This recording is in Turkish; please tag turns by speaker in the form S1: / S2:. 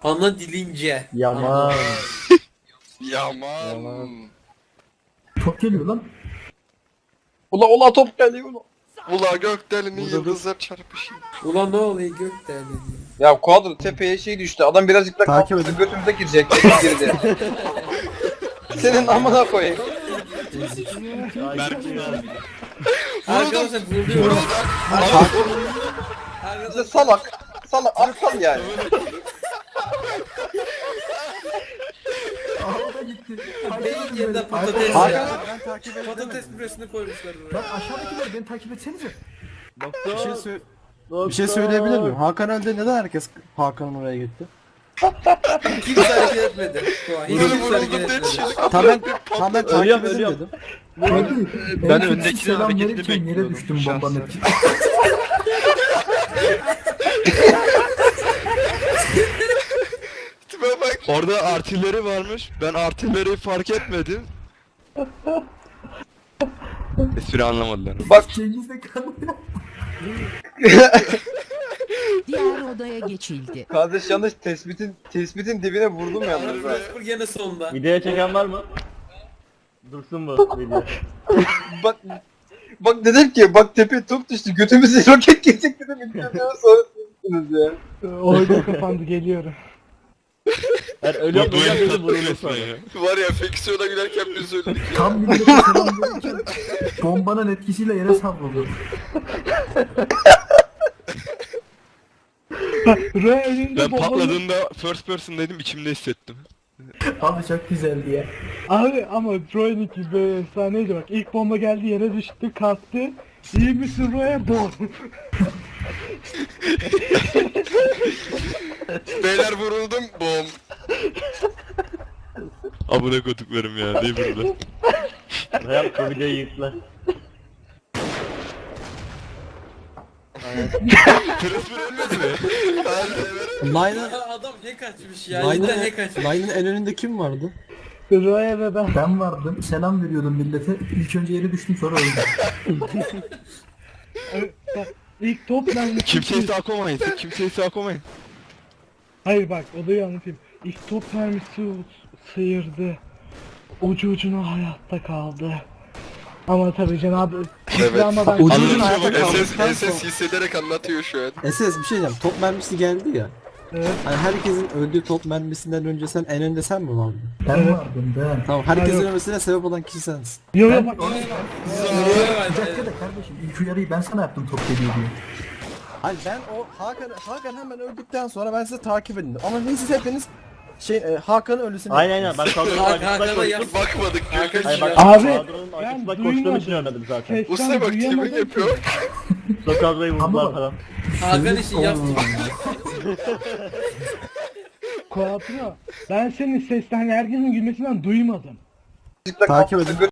S1: Ana dilince.
S2: Yaman.
S3: Yaman.
S4: Top geliyor lan.
S2: Ula top geliyor ula.
S3: Ula gökdeleni
S2: Burada dur.
S3: yıldızlar çarpışıyor.
S1: Ulan ne oluyor gökdeleni?
S2: Ya kuadro tepeye şey düştü. Adam birazcık da
S5: Takip
S2: kalktı
S5: edin.
S2: götümüze girecek. Tepeye girdi. Senin amına koyayım.
S1: Arkadaşlar vuruyor.
S2: İşte salak. Salak aptal yani.
S4: Ağda gitti.
S1: Beyin yerine patates
S5: Hakan
S1: ya.
S5: abi ben takip edemedim.
S1: Patates püresini koymuşlar
S4: Lan
S1: buraya.
S4: aşağıdakiler beni takip etsenize.
S5: Bir şey söyleyebilir miyim? Hakan öldü neden herkes Hakan'ın oraya gitti?
S1: Kimse hareket etmedi. Hiç
S3: Böyle
S1: kimse hareket
S3: vuruldum diye
S1: etmedi.
S5: Tamam ben takip edeyim dedim.
S4: Ben
S6: öndekinin
S4: selam
S6: hareketini
S4: verirken yere
S6: bekliyordum
S4: düştüm
S6: şahsen.
S4: bombanın etkisi.
S3: Tipe bak.
S6: Orada artilleri varmış. Ben artilleriyi fark etmedim. Espri anlamadılar.
S2: Bak
S4: Cengiz'de kalıyor.
S7: Diğer odaya geçildi.
S2: kardeş yanlış tespitin dibine vurdum yalnız. ha.
S1: Spor gene sonda.
S8: Video çeken var mı? Dursun bu video.
S2: Bak bak dedim ki bak tepe top düştü götümüze roket girecek dedim videodan sonra sizsiniz ya.
S9: Oyun kapandı geliyorum.
S8: Yani ölüyorum dedim vuruldu sonra.
S3: Var ya Feksiyon'a giderken biz öldük.
S4: Tam millete selam verirken bombanın etkisiyle yere savruldu.
S9: Röya önünde
S6: Ben
S9: bombanın...
S6: patladığında first person dedim içimde hissettim.
S4: Abi çok güzeldi ya.
S9: Abi ama Troy'ninki böyle efsaneydi bak. İlk bomba geldi yere düştü kalktı. İyi misin Röya? Bom.
S3: Beyler vuruldum. Bom.
S6: Abone koduklarım ya değil burada.
S8: Reyap bu videoyu yıktılar.
S6: First ölmedi mi?
S5: Line'ın
S1: Adam ne kaçmış ya? Cidden ne kaçmış?
S5: Line'ın en önünde kim vardı?
S9: Röya ve ben.
S4: Ben vardım. Selam veriyordum millete. İlk önce yere düştüm sonra öldüm.
S9: Bak, İlk top mermisi...
S6: Kimseyi sağ koymayın. Kimseyi sağ koymayın.
S9: Hayır bak olayı anlatayım. İlk top mermisi sıyırdı. Ucu ucuna hayatta kaldı. Ama tabii Cenab-ı
S3: Evet.
S9: Ama ben
S5: Ucu
S6: Anladım.
S5: ucuna hayatta
S3: SS,
S5: kaldıktan
S3: SS hissederek anlatıyor şu an.
S5: SS bir şey diyeceğim. Top mermisi geldi ya.
S9: Evet.
S5: Hani herkesin öldüğü top mermisinden önce sen en önde sen mi vardın?
S4: Ben vardım ben.
S5: Tamam herkesin
S9: Hayır.
S5: ölmesine sebep olan kişi sensin.
S9: Yo yo
S4: Ben
S9: bak.
S4: Bir dakika da kardeşim ilk uyarıyı ben sana yaptım top geliyor diye.
S5: Hayır ben o Hakan hemen öldükten sonra ben sizi takip edin. Ama siz hepiniz Hakan'ın ölüsünü
S8: Aynen ben kadronun
S1: Hakan'a
S8: arkasında
S1: yap.
S8: koştum.
S3: Bakmadık
S1: Hakan
S8: Hayır bak
S9: Abi,
S8: kadronun
S9: ben
S8: arkasında koştuğum
S9: duymadım.
S8: için ölmedim zaten.
S9: Sesten
S3: Usta bak tipi
S9: duyamadım ki.
S3: yapıyor.
S8: Sonra kadroyu
S4: Ama
S8: vurdular
S4: bak-
S8: falan.
S1: Hakan işi yaptı.
S9: Kuatro. Ben senin sesten herkesin gülmesinden duymadım.
S5: Takip edin.